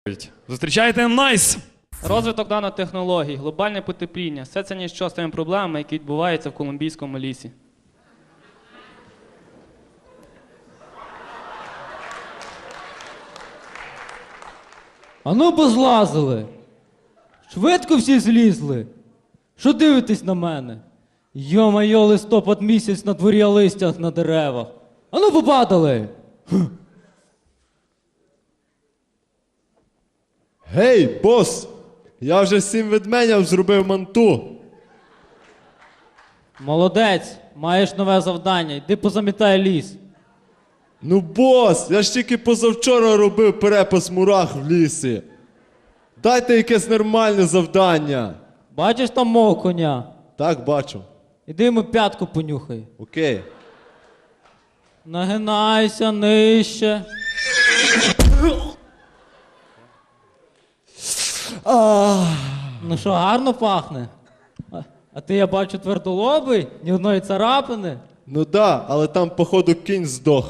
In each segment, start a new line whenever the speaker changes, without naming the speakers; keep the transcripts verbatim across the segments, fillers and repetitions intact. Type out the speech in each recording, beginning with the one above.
Зустрічайте Найс!
Розвиток нанотехнологій, глобальне потепління – все це ніщо з тими проблемами, які відбуваються в колумбійському лісі.
А ну позлазили! Швидко всі злізли! Що дивитесь на мене? Йо-майо, листопад місяць на дворі, а листях на деревах. А ну попадали!
Гей, бос! Я вже сім ведменям зробив манту.
Молодець, маєш нове завдання, йди позамітай ліс.
Ну, бос, я ж тільки позавчора робив перепас мурах в лісі. Дайте якесь нормальне завдання.
Бачиш там мого коня?
Так, бачу.
Іди йому п'ятку понюхай.
Окей.
Нагинайся нижче. Ну що, гарно пахне? А, а ти, я бачу, твердолобий, ні одної царапини.
Ну да, але там, походу, кінь здох.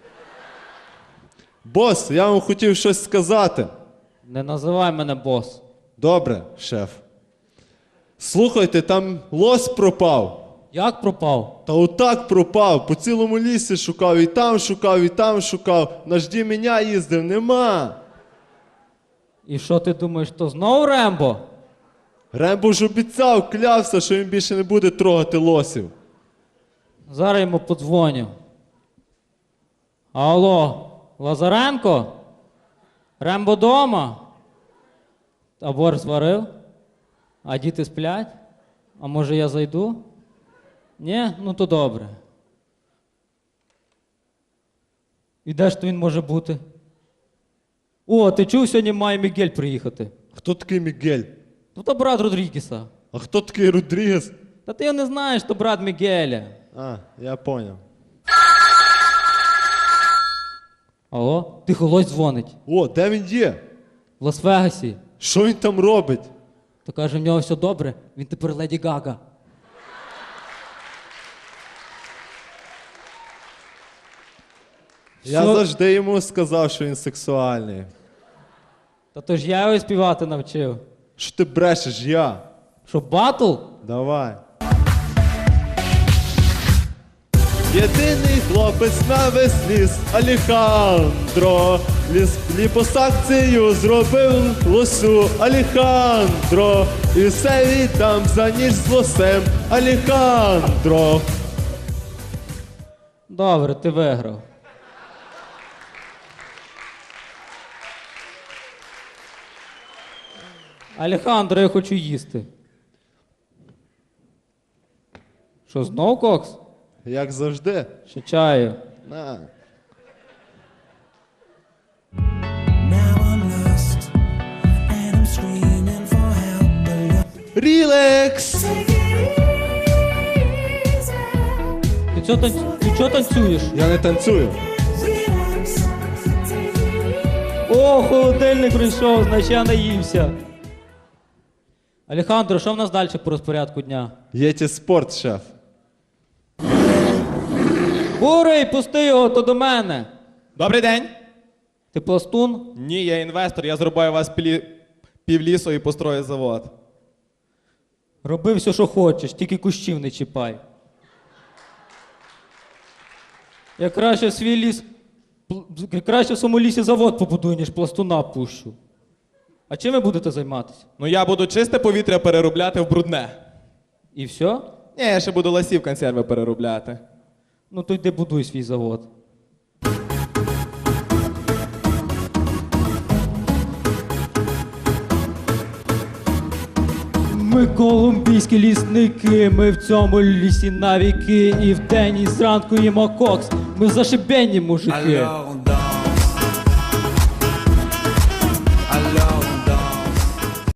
Бос, я вам хотів щось сказати.
Не називай мене бос.
Добре, шеф. Слухайте, там лось пропав.
Як пропав?
Та отак пропав. По цілому лісі шукав, і там шукав, і там шукав. На жді мене їздив, нема.
І що ти думаєш, то знов Рембо?
Рембо ж обіцяв, клявся, що він більше не буде трогати лосів.
Зараз йому подзвоню. Алло, Лазаренко? Рембо дома? А борщ зварив? А діти сплять? А може я зайду? Ні? Ну то добре. І де ж то він може бути? О, ти чув, сьогодні має Мігель приїхати?
Хто такий Мігель?
Ну то брат Родрігеса.
А хто такий Родрігес?
Та ти його не знаєш, то брат Мігеля.
А, я поняв.
Алло, тихо, лось дзвонить.
О, де він є?
В Лас-Вегасі.
Що він там робить?
То каже, в нього все добре, він тепер Леді Гага.
Я
Що?
завжди йому сказав, що він сексуальний.
Та то ж я його співати навчив.
Що ти брешеш, я?
Що, батл?
Давай. Єдиний хлопець на весь ліс Алехандро. Ліс ліпосакцію зробив лосю Алехандро. І все віддам за ніч з лосем Алехандро.
Добре, ти виграв. Алехандро, я хочу їсти. Що, знов кокс?
Як завжди.
Ще чаю.
На.
Now I'm lost and I'm screaming for help. But look,
Рілекс!
take it easy.
Ти чого танц... ти чого танцюєш?
Я не танцюю.
Relax, take it easy.
О, холодильник прийшов, значить я наївся. Алехандро, що в нас далі по розпорядку дня?
Єті спорт, шеф.
Бурий, пусти його, то до мене.
Добрий день.
Ти пластун?
Ні, я інвестор, я зрубаю вас пілі... півлісу і построю завод.
Роби все, що хочеш, тільки кущів не чіпай. Я краще в свій ліс, пл- я краще в своєму лісі завод побудую, ніж пластуна пущу. А чим ви будете займатися?
Ну я буду чисте повітря переробляти в брудне.
І все?
Ні, я ще буду ласів консерви переробляти.
Ну то йди будуй свій завод. Ми колумбійські лісники, ми в цьому лісі навіки, і вдень, і зранку їмо кокс, ми зашибені мужики.
Alors on